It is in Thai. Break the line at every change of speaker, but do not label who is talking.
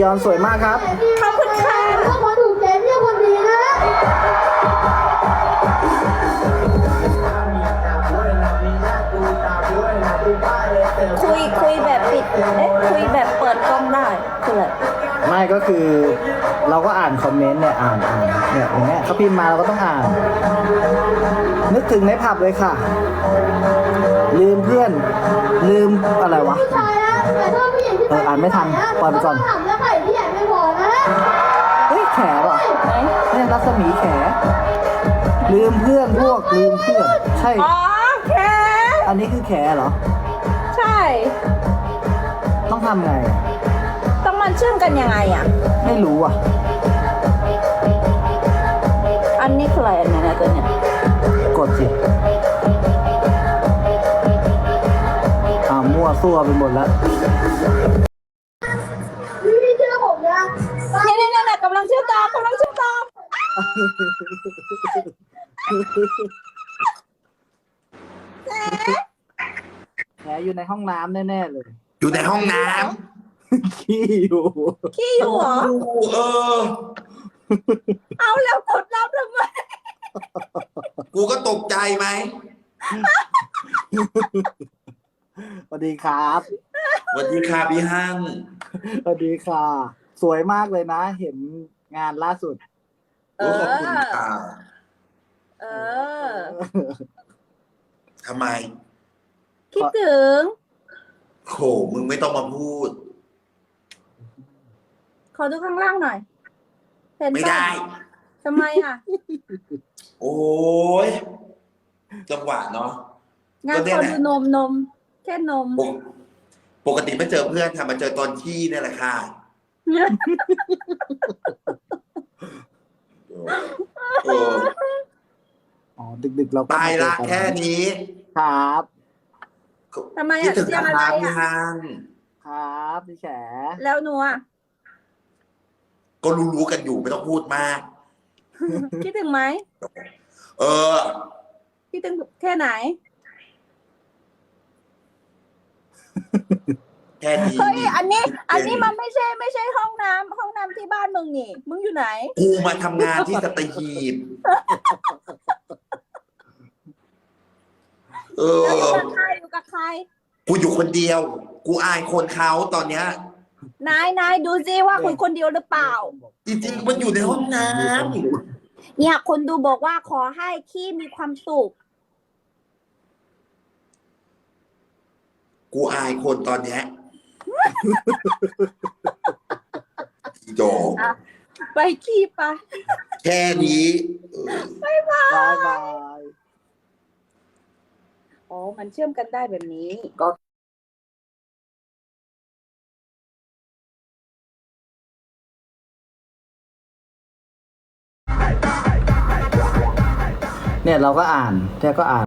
อนสวยมากครับ
ขอบคุณค่ะ
ถ้าคนถูกใจไม่ใช่คนดีนะ
คุยแบบปิดคุยแบบเปิดกล้องได้คืออะไร
ไม่ก็คือเราก็อ่านคอมเมนต์เนี่ยอ่านเนี่ยอย่างเงี้ยเขาพิมพ์มาเราก็ต้องอ่าน นึกถึงในผับเลยค่ะ ลืมเพื่อน ลืมอะไรวะ
ผู้ชายนะแต่ชอบผู้หญิงที่
อ่านไม่ทันปล่อยไปก่อน
ถามแล้วไข่ที่ใหญ่ไม่พอนะ
เฮ้ยแขป่ะ
ไหน
เนี่ยรัศมีแข ลืมเพื่อนพวกลืมเพื่อน ใช่
อ๋อแค่
อันนี้คือแขเหรอ
ใช่
ต้องทำไง
ต้องมันเชื่อมกันยังไงอ่ะ
ไม่รู้อ่ะ
อันนี้คืออะไรอันนี้นะตัวเนี้ย
กดสิมั่วซั่วไปหมดแล้ว
พี่เชื่อผมนะ
เนี่ยกำลังเชื่อมต่อกำลังเชื่อมต่อ
แขอยู่ในห้องน้ำแน่ๆเลย
อยู่ในห้องน้
ขี้อยู่
ขี้อยู่เหรอ
ำเออ
เอาแล้วกดรับทำไม
กูก็ตกใจไหม
สวัสดีครับ
สวัสดีค่ะพี่ฮั่ง
สวัสดีค่ะ สวยมากเลยนะ เห็นงานล่าสุด
โอ้ขอบคุณค่ะ
เออ
ทำไม
คิดถึง
โหมึงไม่ต้องมาพูด
ขอดูข้างล่างหน่อย เห็น
ไม่
ปะ
ได้
ทำไมอ่ะ
โอ้ยจังหวะเนาะ
งาน
ก็เนี่
ข
ย
อ
แหละ
ดูนมแค่นม
ปกติไม่เจอเพื่อนค่ะมาเจอตอนขี้เนี่ยแหละค่ะเออ
อ๋อ ดึกๆเราก็
ไป
มาเจอ
ละ
กัน
แค่นี้
ครับ
ทำไม
คิด
อ่ะ
ถึง
เสียง
นะ
อะไร
ครับพี่
อ่ะ
ฮั่ง
ครับพี่แฉ
แล้วหนูอ่ะ
ก็รู้ๆกันอยู่ไม่ต้องพูดมาก
คิดถึงไหม
เออ
คิดถึงแค่ไหน
แค่นี้
เฮ้ย อันนี้มันไม่ใช่ห้องน้ำที่บ้านมึงนี่ มึงอยู่ไหน
กูมาทำงานที่สัตหีบ เอ
แล้วอยู่
อ
กับใครอยู่กับใคร
กูอยู่คนเดียว กูอายคนเขาตอนเนี้ย
นายดูซิว่าคนเดียวหรือเปล่า
จริงๆมันอยู่ในห้องน้
เนี่ยคนดูบอกว่าขอให้ขี้มีความสุข
ำกูอายคนตอนเนี้ยอีโด
ไปขี้ไป
แค่นี้เออบ
ายบาย
อ๋อ มันเชื่อมกันได้แบบนี้
เนี่ยเราก็อ่านแค่ก็อ่าน